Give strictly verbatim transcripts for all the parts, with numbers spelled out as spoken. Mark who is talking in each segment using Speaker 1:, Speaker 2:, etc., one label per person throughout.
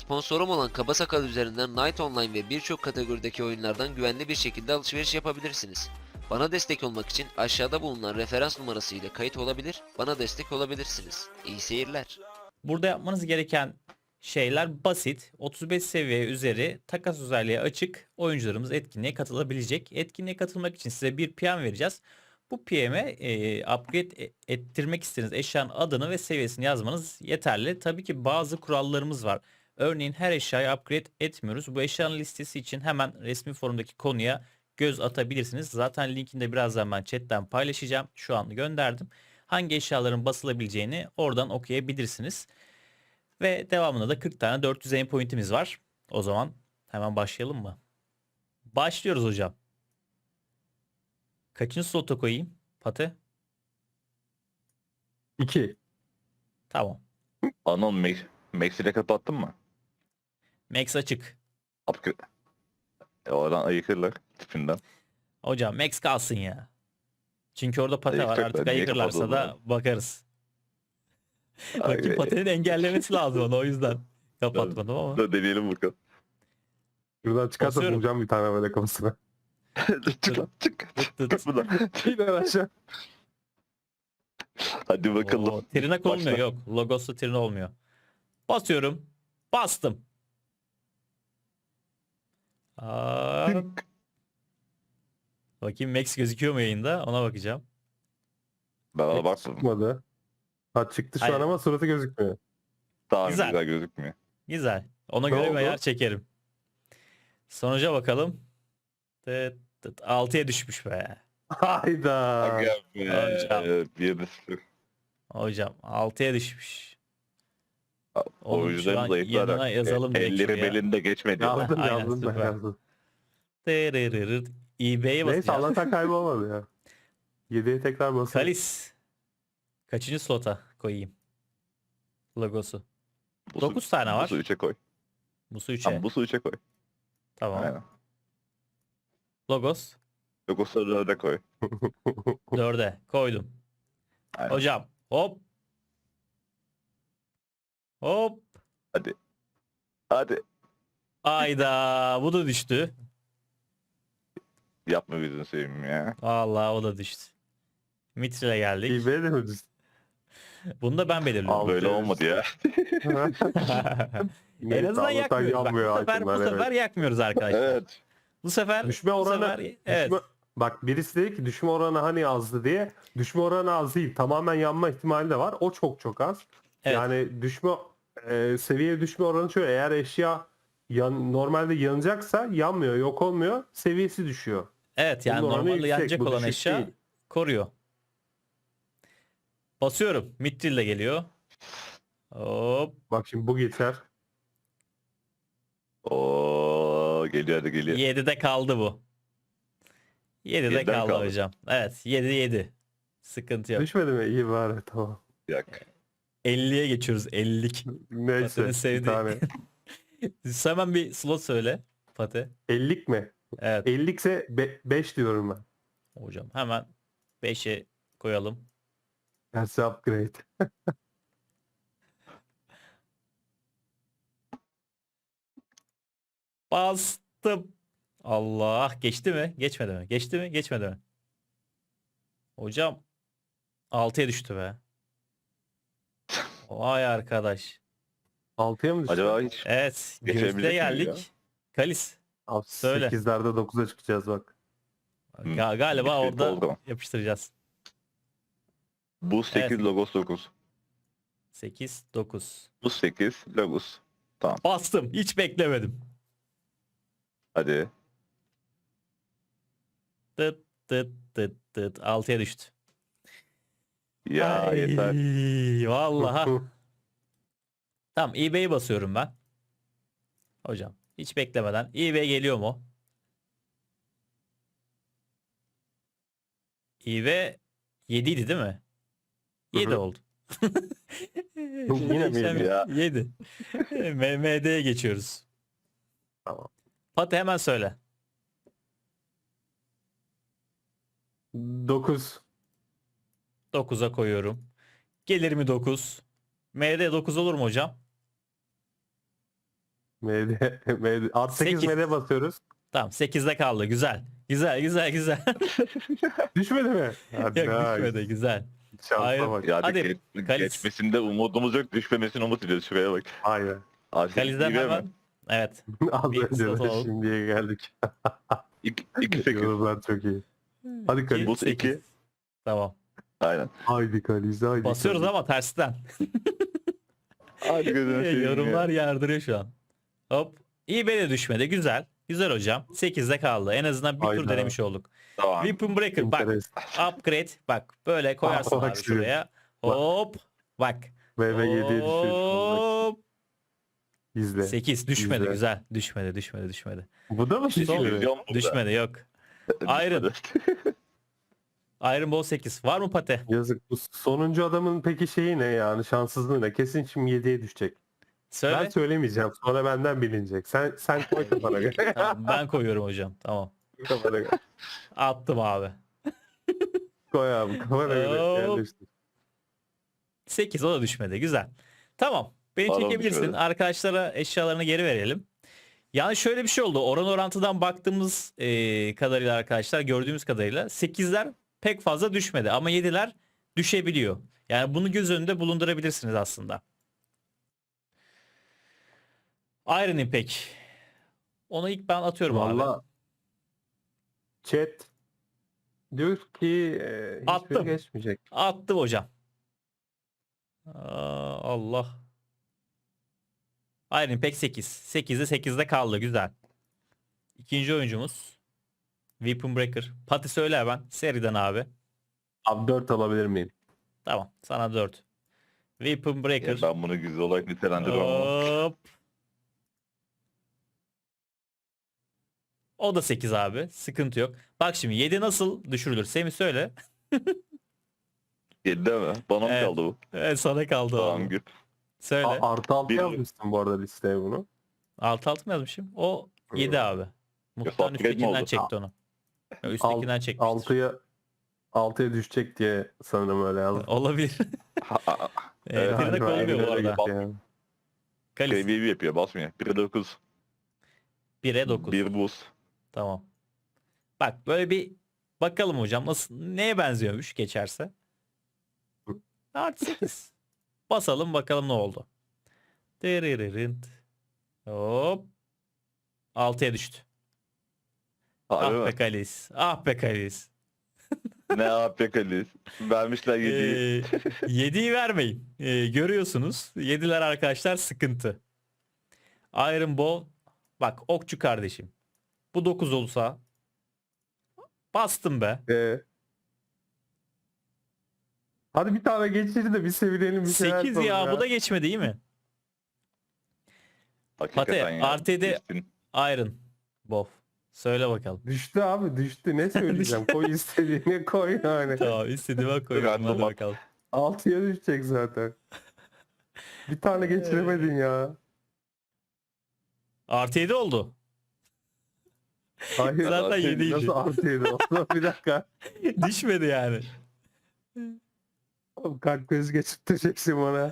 Speaker 1: Sponsorum olan Kaba Sakal üzerinden Night Online ve birçok kategorideki oyunlardan güvenli bir şekilde alışveriş yapabilirsiniz. Bana destek olmak için aşağıda bulunan referans numarası ile kayıt olabilir, bana destek olabilirsiniz. İyi seyirler.
Speaker 2: Burada yapmanız gereken şeyler basit. otuz beş seviye üzeri takas özelliği açık oyuncularımız etkinliğe katılabilecek. Etkinliğe katılmak için size bir P M vereceğiz. Bu P M'e e, upgrade e- ettirmek istediğiniz eşyanın adını ve seviyesini yazmanız yeterli. Tabii ki bazı kurallarımız var. Örneğin her eşyayı upgrade etmiyoruz. Bu eşyanın listesi için hemen resmi forumdaki konuya göz atabilirsiniz. Zaten linkini de birazdan ben chatten paylaşacağım. Şu an gönderdim. Hangi eşyaların basılabileceğini oradan okuyabilirsiniz. Ve devamında da kırk tane dört yüz aim point'imiz var. O zaman hemen başlayalım mı? Başlıyoruz hocam. Kaçıncı slota koyayım? Pate?
Speaker 3: iki.
Speaker 2: Tamam.
Speaker 4: Anon Max, Max ile kapattın mı?
Speaker 2: Max açık.
Speaker 4: Upgrade. E, oradan ayıkırlar tipinden.
Speaker 2: Hocam Max kalsın ya. Çünkü orada pate var.
Speaker 4: Ayıkacaklar,
Speaker 2: Artık
Speaker 4: niye
Speaker 2: ayıkırlarsa da
Speaker 4: kapatıldığını?
Speaker 2: bakarız. Bakayım
Speaker 4: Ay,
Speaker 2: patenin engellemesi lazım ona, o yüzden kapatmadım ama.
Speaker 4: Da deneyelim bakalım.
Speaker 3: Şuradan çıkarsa
Speaker 2: Basıyorum.
Speaker 3: bulacağım bir tane böyle kafasına.
Speaker 4: çık lan çık.
Speaker 2: Tıt tıt.
Speaker 4: Çık buradan.
Speaker 3: İner aşağı.
Speaker 4: Hadi bakalım.
Speaker 2: Oo, tırnak olmuyor,
Speaker 4: Başla.
Speaker 2: yok. Logoslu tırnak olmuyor. Basıyorum. Bastım. Aa,
Speaker 4: Tınk.
Speaker 2: bakayım Max gözüküyor mu yayında? Ona bakacağım.
Speaker 4: Ben ona baktım.
Speaker 3: Çıkmadı. Ha çıktı şu
Speaker 2: Hayır.
Speaker 3: an ama suratı gözükmüyor.
Speaker 4: Daha
Speaker 2: Güzel.
Speaker 4: güzel. gözükmüyor.
Speaker 2: Güzel. Ona
Speaker 3: Ne
Speaker 2: göre bir
Speaker 3: oldu?
Speaker 2: ayar çekerim. Sonuca bakalım. Tıt tıt. altıya düşmüş be.
Speaker 3: Hayda.
Speaker 4: Aga be.
Speaker 2: Hocam.
Speaker 4: Bir de sıfır.
Speaker 2: Hocam altıya düşmüş. Oğlum şu an
Speaker 4: Oyuncuların zayıflar.
Speaker 2: yanına yazalım direkt
Speaker 4: Elleri
Speaker 2: şuraya.
Speaker 4: belinde geçmedi.
Speaker 3: Yazdım
Speaker 2: Aynen,
Speaker 3: yazdım ben
Speaker 2: süper.
Speaker 3: yazdım.
Speaker 2: Tırırırır. eBay'e
Speaker 3: Neyse
Speaker 2: basacağım.
Speaker 3: Allah'tan kaybolmadı ya. yediye tekrar basın.
Speaker 2: Kalis. Kaçıncı slota koyayım? Logosu.
Speaker 4: Bu
Speaker 2: dokuz tane var.
Speaker 4: Bu su üçe koy.
Speaker 2: Musu üçe.
Speaker 4: Tamam bu su üçe koy.
Speaker 2: Tamam.
Speaker 4: Aynen.
Speaker 2: Logos
Speaker 4: Yoksa dörde koy.
Speaker 2: dörde koydum.
Speaker 4: Aynen.
Speaker 2: Hocam hop. Hop.
Speaker 4: Hadi. Hadi.
Speaker 2: Ayda bu da düştü.
Speaker 4: Yapma bizim sevimim ya.
Speaker 2: Vallahi o da düştü. Mitril'e geldik.
Speaker 3: eBay'e de mi düştü?
Speaker 2: Bunu da ben belirliyorum.
Speaker 3: Al.
Speaker 4: Böyle olmadı ya.
Speaker 2: En
Speaker 3: Neyse,
Speaker 2: azından
Speaker 3: Allah'tan
Speaker 2: yakmıyoruz. Bak, bu
Speaker 3: yanmıyor
Speaker 2: sefer, bu
Speaker 3: itemler,
Speaker 2: sefer
Speaker 3: evet.
Speaker 2: yakmıyoruz arkadaşlar.
Speaker 4: Evet.
Speaker 2: Bu sefer
Speaker 3: Düşme
Speaker 2: bu
Speaker 3: oranı,
Speaker 2: sefer- evet.
Speaker 3: düşme- bak birisi dedi ki düşme oranı hani azdı diye. Düşme oranı az değil. Tamamen yanma ihtimali de var. O çok çok az.
Speaker 2: Evet.
Speaker 3: Yani düşme e, seviye düşme oranı şöyle. Eğer eşya yan, normalde yanacaksa yanmıyor, yok olmuyor. Seviyesi düşüyor.
Speaker 2: Evet, yani
Speaker 3: Bunun oranı
Speaker 2: normalde
Speaker 3: yüksek,
Speaker 2: yanacak
Speaker 3: bu
Speaker 2: olan
Speaker 3: düşük
Speaker 2: eşya
Speaker 3: değil.
Speaker 2: koruyor. Basıyorum. Mithril de geliyor. Hop.
Speaker 3: Bak şimdi bu geçer.
Speaker 4: Oo geliyor hadi geliyor.
Speaker 2: yedide kaldı bu. yedide
Speaker 4: Yediden
Speaker 2: kaldı,
Speaker 4: kaldı.
Speaker 2: hocam. Evet, yedi yedi. Sıkıntı yok.
Speaker 3: Düşmedi mi? İyi bari tamam.
Speaker 4: Yak.
Speaker 2: elliye geçiyoruz. ellilik.
Speaker 3: Neyse
Speaker 2: Pate'nin
Speaker 3: bir
Speaker 2: sevdiği.
Speaker 3: tane.
Speaker 2: Hemen bir slot söyle Pate.
Speaker 3: ellik mi?
Speaker 2: Evet
Speaker 3: ellik ise beş diyorum ben.
Speaker 2: hocam, hemen beşe koyalım.
Speaker 3: Gerçi upgrade.
Speaker 2: Bastım. Allah, geçti mi? Geçmedi mi? Geçti mi? Geçmedi mi? Hocam altıya düştü be. Vay arkadaş.
Speaker 3: altıya mı düştü?
Speaker 4: Acaba hiç
Speaker 2: Evet,
Speaker 4: Geçebilecek
Speaker 2: gümüşte
Speaker 4: miyiz ya?
Speaker 2: geldik. Kalis.
Speaker 3: Abi,
Speaker 2: Söyle.
Speaker 3: sekizlerde dokuza çıkacağız bak.
Speaker 4: Hı.
Speaker 2: Ga- galiba
Speaker 4: Bir şey
Speaker 2: orada
Speaker 4: oldu.
Speaker 2: yapıştıracağız.
Speaker 4: bu sekiz
Speaker 2: Evet.
Speaker 4: logos dokuz.
Speaker 2: sekiz dokuz.
Speaker 4: Bu sekiz logos.
Speaker 2: Bastım. Hiç beklemedim.
Speaker 4: Hadi.
Speaker 2: Tıt tıt tıt tıt. altıya düştü.
Speaker 4: Ya
Speaker 2: Ay,
Speaker 4: yeter.
Speaker 2: Vallahi. Tamam, eBay'i basıyorum ben. Hocam hiç beklemeden. eBay geliyor mu? eBay yedi idi değil mi? yedi
Speaker 3: Hı hı.
Speaker 2: oldu.
Speaker 3: Yine mi yedi
Speaker 4: ya?
Speaker 2: yedi. M M D'ye geçiyoruz.
Speaker 3: Tamam.
Speaker 2: Pati hemen söyle.
Speaker 3: dokuz.
Speaker 2: dokuza koyuyorum. Gelir mi dokuz? M D dokuz olur mu hocam?
Speaker 3: M D, M D. Art sekiz
Speaker 2: Sekiz.
Speaker 3: M D basıyoruz.
Speaker 2: Tamam sekizde kaldı. Güzel. Güzel güzel güzel.
Speaker 3: Düşmedi mi? Hadi
Speaker 2: Yok
Speaker 3: ha,
Speaker 2: düşmedi güzel.
Speaker 3: şansa
Speaker 2: Hayır.
Speaker 3: bak.
Speaker 4: Yani
Speaker 2: Hadi,
Speaker 4: geç-
Speaker 2: Kalis.
Speaker 4: geçmesinde umudumuz yok. Düşmemesini umut ediyoruz. Şuraya bak.
Speaker 3: Aynen.
Speaker 4: Artık
Speaker 2: Kalizden
Speaker 4: iyi değil mi?
Speaker 2: hemen. Evet.
Speaker 3: Az
Speaker 2: Bir
Speaker 3: önce
Speaker 2: slot
Speaker 3: de
Speaker 2: alalım.
Speaker 3: şimdiye geldik.
Speaker 4: İki, iki sekiz.
Speaker 3: Yorumlar çok iyi. Hadi Kalis.
Speaker 4: Buz
Speaker 2: sekiz.
Speaker 4: iki.
Speaker 2: Tamam.
Speaker 4: Aynen.
Speaker 3: Haydi Kalis, haydi
Speaker 2: Basıyoruz
Speaker 3: Kalis.
Speaker 2: ama tersten.
Speaker 4: Hadi gözünü seveyim ya.
Speaker 2: Yorumlar yardırıyor şu an. Hop. İyi be de düşmedi. Güzel. Güzel hocam. sekizde kaldı. En azından bir tur
Speaker 3: Hayda.
Speaker 2: denemiş olduk.
Speaker 4: Tamam.
Speaker 2: Weapon Breaker bak.
Speaker 3: Interes.
Speaker 2: Upgrade. Bak böyle koyarsın
Speaker 3: Bak
Speaker 2: abi
Speaker 3: şimdi.
Speaker 2: şuraya. Hop. Bak.
Speaker 3: V V yediye düşüyor.
Speaker 2: Hop.
Speaker 3: İzle.
Speaker 2: sekiz düşmedi
Speaker 3: İzle.
Speaker 2: güzel. Düşmedi düşmedi düşmedi.
Speaker 3: Bu da mı
Speaker 2: Son-
Speaker 3: düşüyor?
Speaker 4: İllüzyon burada.
Speaker 2: Düşmedi yok. Iron. Iron Ball sekiz. Var mı Pate?
Speaker 3: Yazık. Bu sonuncu adamın peki şeyi ne yani, şanssızlığı ne? Kesin şimdi yediye düşecek.
Speaker 2: Söyle.
Speaker 3: Ben söylemeyeceğim. Sonra benden bilinecek. Sen sen koy kafana göre.
Speaker 2: Tamam, ben koyuyorum hocam. Tamam.
Speaker 3: Kafana göre.
Speaker 2: Attım abi.
Speaker 3: Koy abi kafana göre.
Speaker 2: Hop.
Speaker 3: Yerleştir.
Speaker 2: sekiz o da düşmedi. Güzel. Tamam. Beni
Speaker 4: Pardon,
Speaker 2: çekebilirsin.
Speaker 4: düşmedi.
Speaker 2: Arkadaşlara eşyalarını geri verelim. Yani şöyle bir şey oldu. Oran orantıdan baktığımız e, kadarıyla arkadaşlar gördüğümüz kadarıyla sekizler pek fazla düşmedi ama yediler düşebiliyor. Yani bunu göz önünde bulundurabilirsiniz aslında. Iron Impact. Onu ilk ben atıyorum abi.
Speaker 3: Valla chat diyor ki e, hiçbiri
Speaker 2: Attım.
Speaker 3: geçmeyecek.
Speaker 2: Attım hocam. Aa, Allah. Iron Impact sekiz. sekizde sekizde kaldı. Güzel. İkinci oyuncumuz. Weapon Breaker. Pati söyle ben. Seriden abi.
Speaker 3: Abi dört alabilir miyim?
Speaker 2: Tamam. Sana dört. Weapon Breaker.
Speaker 4: Ya ben bunu güzel olarak nitelendiriyorum ama.
Speaker 2: Hop. O da sekiz abi. Sıkıntı yok. Bak şimdi yedi nasıl düşürülür? Semih söyle.
Speaker 4: Yedi mi? Bana mı
Speaker 2: Evet.
Speaker 4: kaldı bu?
Speaker 2: Evet, sana kaldı
Speaker 4: Tamam
Speaker 2: abi.
Speaker 4: gül.
Speaker 2: Söyle.
Speaker 3: A- artı altı
Speaker 4: Bir-
Speaker 3: yazmışsın bu arada listeye bunu.
Speaker 2: Altı altı mı yazmışım? O yedi abi. Muhtemelen
Speaker 4: upgrade mi
Speaker 2: üsttekinden
Speaker 4: oldu?
Speaker 2: çekti onu. Ya, Üsttekinden çekmiştir.
Speaker 3: altıya altıya düşecek diye sanırım öyle yazdım.
Speaker 2: Olabilir.
Speaker 4: Ha, ha, ha.
Speaker 2: Ee,
Speaker 4: Evet,
Speaker 2: tırnak
Speaker 3: Galiba
Speaker 2: olmuyor bu
Speaker 3: öyle
Speaker 2: arada.
Speaker 3: gitti yani.
Speaker 2: Kalis.
Speaker 4: Seviye bir yapıyor basmıyor. bire dokuz.
Speaker 2: bire dokuz.
Speaker 4: bir buz.
Speaker 2: Tamam. Bak böyle bir bakalım hocam nasıl neye benziyormuş geçerse. Artı sekiz. Basalım bakalım ne oldu. Dırırırınt. Hop. altıya düştü.
Speaker 4: Harbi
Speaker 2: Ah be
Speaker 4: mi?
Speaker 2: Kalis. Ah be Kalis.
Speaker 4: Ne yapıyor Kalis? Vermişler yediyi.
Speaker 2: Ee, yediyi vermeyin. Ee, görüyorsunuz. Yediler arkadaşlar sıkıntı. Iron Ball. Bak okçu kardeşim. Bu dokuz olsa bastım be.
Speaker 3: Ee, hadi bir tane geçir de bir sevinelim bir şeyler
Speaker 2: sekiz
Speaker 3: yapalım
Speaker 2: ya, bu da geçmedi değil mi?
Speaker 4: Hakikaten
Speaker 2: Pate,
Speaker 4: ya.
Speaker 2: artı
Speaker 4: Düştün.
Speaker 2: Iron Ball. Söyle bakalım.
Speaker 3: Düştü abi düştü. Ne söyleyeceğim? Koy istediğini koy yani.
Speaker 2: Tamam istediğime koyuyorum. Hadi
Speaker 4: Random at.
Speaker 2: bakalım.
Speaker 3: altıya düşecek zaten. Bir tane geçiremedin ya.
Speaker 2: Artı yedi oldu.
Speaker 3: Hayır.
Speaker 2: Zaten
Speaker 3: artı-
Speaker 2: yediydi.
Speaker 3: Nasıl artı yedi oldu? Bir dakika.
Speaker 2: Düşmedi yani.
Speaker 3: Oğlum kalp krizi geçirteceksin bana.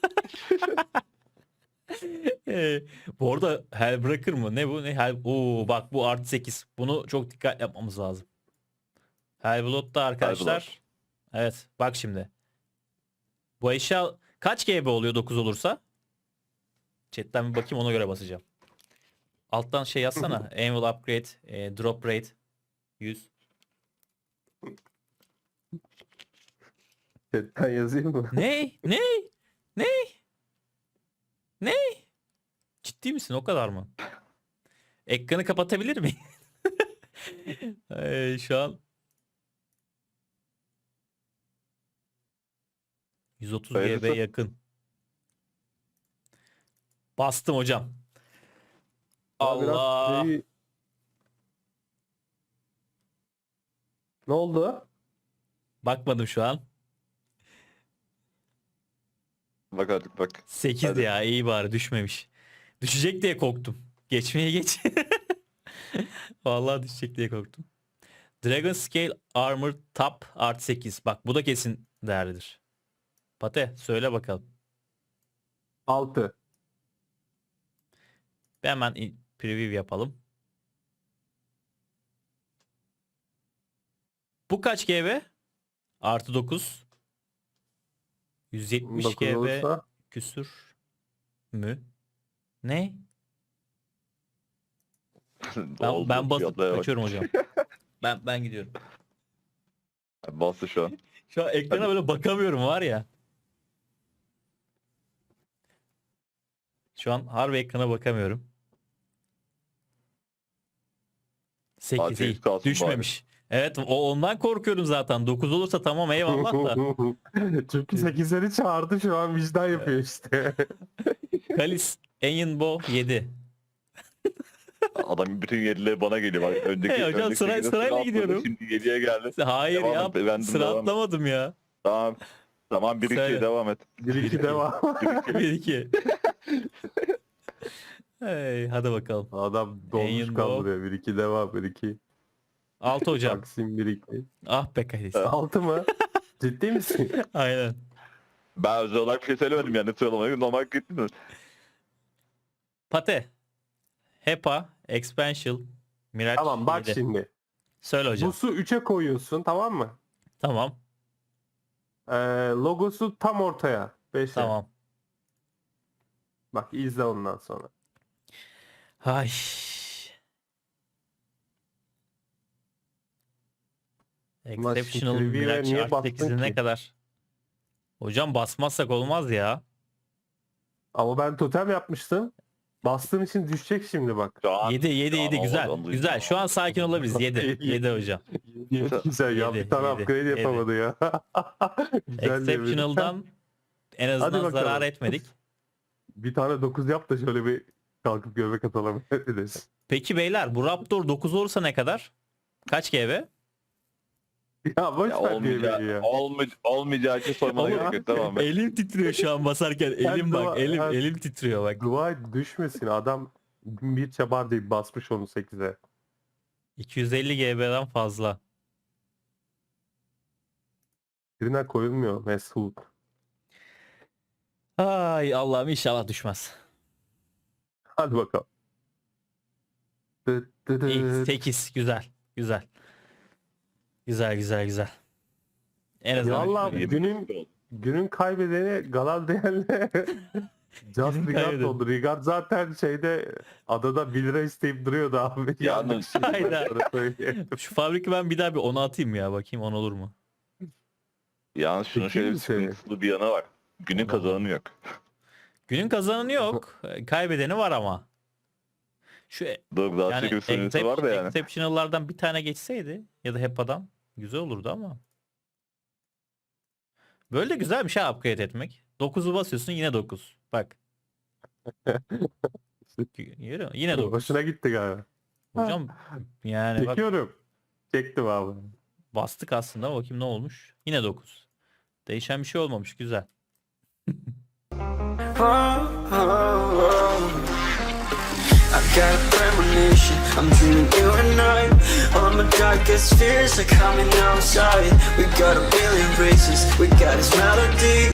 Speaker 2: Ee, bu arada Hellbreaker mı? Ne bu? Ne Hell... Oo, bak bu artı sekiz. Bunu çok dikkat yapmamız lazım. Hellblood'da arkadaşlar. Evet bak şimdi. Bu eşya kaç G B oluyor dokuz olursa? Chat'ten bir bakayım ona göre basacağım. Alttan şey yazsana. Annual upgrade, e, drop rate yüz.
Speaker 3: Chatten yazayım mı?
Speaker 2: Ne? Ne? Ne? Ne? Ciddi misin? O kadar mı? Ekranı kapatabilir miyim? Ee, şu an yüz otuz G B
Speaker 4: Hayırlısı.
Speaker 2: yakın. Bastım hocam.
Speaker 3: Daha biraz
Speaker 2: Allah.
Speaker 3: şeyi- Ne oldu?
Speaker 2: Bakmadım şu an.
Speaker 4: Bak artık bak.
Speaker 2: sekiz
Speaker 4: Hadi.
Speaker 2: ya, iyi bari düşmemiş. Düşecek diye korktum. Geçmeye geç. Vallahi düşecek diye korktum. Dragon Scale Armor Top artı sekiz. Bak bu da kesin değerlidir. Pate söyle bakalım.
Speaker 3: altı.
Speaker 2: Bir hemen in- preview yapalım. Bu kaç G B? Artı dokuz. yüz yetmiş
Speaker 3: dokuz
Speaker 2: G B
Speaker 3: olursa
Speaker 2: küsür mü? Ne? Ben,
Speaker 4: Oldu,
Speaker 2: ben basıp
Speaker 4: fiyatlara bak.
Speaker 2: kaçıyorum hocam. Ben ben gidiyorum.
Speaker 4: Bastı şu an.
Speaker 2: Şu an ekrana böyle bakamıyorum var ya. Şu an harbi ekrana bakamıyorum. sekiz
Speaker 4: Fatih
Speaker 2: iyi.
Speaker 4: kalsın
Speaker 2: Düşmemiş. Evet o ondan korkuyorum zaten. dokuz olursa tamam eyvallah da.
Speaker 3: Çünkü sekizleri çağırdı şu an vicdan yapıyor işte.
Speaker 2: Kalis Enyinbo yedi.
Speaker 4: Adam bütün yedileri bana geliyor. Bak, öndeki,
Speaker 2: Hey hocam,
Speaker 4: öndeki
Speaker 2: sıra-
Speaker 4: sekizde
Speaker 2: sırayla
Speaker 4: atladı,
Speaker 2: gidiyorum.
Speaker 4: Şimdi yediye geldi.
Speaker 2: Hayır
Speaker 4: Devam
Speaker 2: ya
Speaker 4: et, ben de
Speaker 2: sıra
Speaker 4: devam et.
Speaker 2: atlamadım ya.
Speaker 4: Tamam. Tamam bir
Speaker 2: Söyle.
Speaker 4: iki devam et.
Speaker 3: Bir iki devam.
Speaker 2: bir iki. Hey, hadi bakalım.
Speaker 3: Adam dolmuş
Speaker 2: Enyinbo.
Speaker 3: kaldırıyor. Bir iki devam. Bir iki.
Speaker 2: altı hocam.
Speaker 3: Taksim bir iki.
Speaker 2: Ah be Kalis.
Speaker 3: Altı mı? Ciddi misin?
Speaker 2: Aynen.
Speaker 4: Ben özel olarak bir şey söylemedim yani sıralamayı normal gittim.
Speaker 2: Pate. Hepa. Expansion. Miraç
Speaker 3: Tamam bak
Speaker 2: yedi.
Speaker 3: şimdi.
Speaker 2: Söyle hocam.
Speaker 3: Busu üçe koyuyorsun tamam mı?
Speaker 2: Tamam.
Speaker 3: Ee, logosu tam ortaya. beşe.
Speaker 2: Tamam.
Speaker 3: Bak izle ondan sonra.
Speaker 2: Ay.
Speaker 3: Ulan şu
Speaker 2: Exceptional
Speaker 3: Trivia'ya
Speaker 2: Miraç
Speaker 3: niye
Speaker 2: artı
Speaker 3: bastın
Speaker 2: sekizde ne
Speaker 3: ki?
Speaker 2: kadar? Hocam basmazsak olmaz ya.
Speaker 3: Ama ben totem yapmıştım. Bastığım için düşecek şimdi bak.
Speaker 4: Şu an
Speaker 2: yedi yedi
Speaker 4: şu an
Speaker 2: yedi güzel.
Speaker 4: olmadı,
Speaker 2: Güzel.
Speaker 4: olmadı.
Speaker 2: Şu an sakin olabiliriz. yedi. yedi hocam.
Speaker 3: Güzel ya
Speaker 2: Yedi,
Speaker 3: bir tane
Speaker 2: yedi,
Speaker 3: upgrade
Speaker 2: yedi.
Speaker 3: yapamadı ya. Güzel diye bir-
Speaker 2: Exceptional'dan en azından
Speaker 3: bakalım.
Speaker 2: zarar etmedik.
Speaker 3: Bir tane dokuz yap da şöyle bir kalkıp göbek atalım. Ederiz.
Speaker 2: Peki beyler bu Raptor dokuz olursa ne kadar? Kaç G B?
Speaker 3: Ya boş
Speaker 4: Ya
Speaker 3: ver
Speaker 4: olmayacağı,
Speaker 3: diye ya.
Speaker 4: olmay olmayacağı için sormana
Speaker 2: Ama-
Speaker 4: gerek yok tamam mı?
Speaker 2: Elim titriyor şu an basarken. Elim
Speaker 3: dua-
Speaker 2: bak. Elim
Speaker 3: ben-
Speaker 2: elim titriyor bak.
Speaker 3: Dua et düşmesin adam bir çabar deyip basmış onu sekize.
Speaker 2: iki yüz elli G B'den fazla.
Speaker 3: Birine koyulmuyor Mesut.
Speaker 2: Ay Allah'ım inşallah düşmez.
Speaker 3: Hadi bakalım. Dıt dıt
Speaker 2: İyi,
Speaker 3: dıt.
Speaker 2: sekiz güzel. Güzel. Güzel güzel güzel. En
Speaker 3: Ya
Speaker 2: azından
Speaker 3: Allah
Speaker 2: şöyle-
Speaker 3: günün günün kaybedeni Galadriel'le Just Rigard
Speaker 2: kaybedeni.
Speaker 3: oldu. Rigard zaten şeyde adada bir lira isteyip duruyordu abi.
Speaker 4: Yalnız-
Speaker 2: Hayda.
Speaker 3: Sana söyleyeyim.
Speaker 2: Şu fabriki ben bir daha bir ona atayım ya. Bakayım on olur mu?
Speaker 4: Yalnız şunun
Speaker 3: Peki
Speaker 4: şöyle bir
Speaker 3: mi seni?
Speaker 4: sıkıntılı bir yanı var. Günün
Speaker 2: Allah.
Speaker 4: kazananı yok.
Speaker 2: Günün kazananı yok. Kaybedeni var ama. Şu e-
Speaker 4: Dur daha
Speaker 2: yani
Speaker 4: çekim süresi var da yani.
Speaker 2: exceptional'lardan bir tane geçseydi ya da Hepa'dan güzel olurdu ama. Böyle de güzel bir şey upgrade etmek. dokuzu basıyorsun yine dokuz. Bak. Yürü, yine dokuz.
Speaker 3: Hoşuna gitti galiba.
Speaker 2: Hocam yani bak
Speaker 3: Çekiyorum. Çektim abi.
Speaker 2: bastık aslında bakayım ne olmuş. Yine dokuz. Değişen bir şey olmamış güzel.
Speaker 5: I got a premonition, I'm dreaming you and I. All my darkest fears are coming outside. We got a billion races, we got this melody.